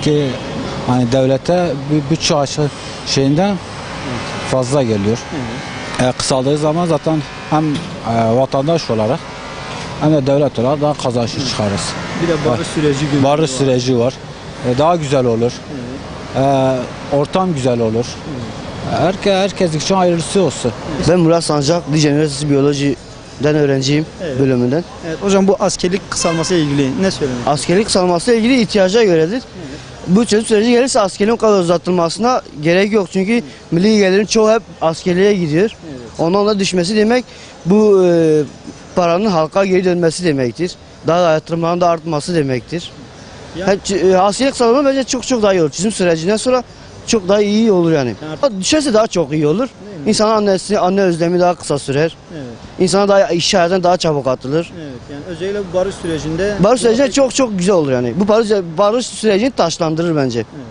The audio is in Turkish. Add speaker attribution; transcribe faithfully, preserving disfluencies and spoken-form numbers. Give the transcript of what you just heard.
Speaker 1: Çünkü hani devlete bir bütçe açı şeyinden fazla geliyor.
Speaker 2: Evet.
Speaker 1: E, kısaldığı zaman zaten hem e, vatandaş olarak hem de devlet olarak daha kazançlı çıkarız.
Speaker 2: Bir de barış süreci günü
Speaker 1: Barış
Speaker 2: var.
Speaker 1: süreci var. E, daha güzel olur.
Speaker 2: Evet.
Speaker 1: E, ortam güzel olur. Herke, herkes için hayırlısı olsun.
Speaker 3: Ben Murat Sancak, Dicle Üniversitesi Biyoloji'den öğrenciyim,
Speaker 2: Evet.
Speaker 3: bölümünden.
Speaker 2: Evet, hocam bu askerlik kısalması ile ilgili ne söylemek?
Speaker 3: Askerlik kısalması ile ilgili ihtiyaca göredir. Bu çözüm süreci gelirse askerliğin o kadar uzatılmasına gerek yok. Çünkü milli gelirin çoğu hep askerliğe gidiyor.
Speaker 2: Evet.
Speaker 3: Ondan da düşmesi demek bu e, paranın halka geri dönmesi demektir. Daha da yatırımların da artması demektir.
Speaker 2: Yani-
Speaker 3: Yani, e, askerlik kısalması bence çok çok daha iyi olur. Çözüm sürecinden sonra çok daha iyi olur yani.
Speaker 2: Yani-
Speaker 3: Düşerse daha çok iyi olur.
Speaker 2: Değil mi?
Speaker 3: İnsanın annesi, anne özlemi daha kısa sürer.
Speaker 2: Evet.
Speaker 3: İnsana daha iş hayatına daha çabuk atılır.
Speaker 2: Evet. Yani özellikle bu barış sürecinde
Speaker 3: Barış süreci çok çok güzel olur yani. Bu barış, barış sürecini taşlandırır bence.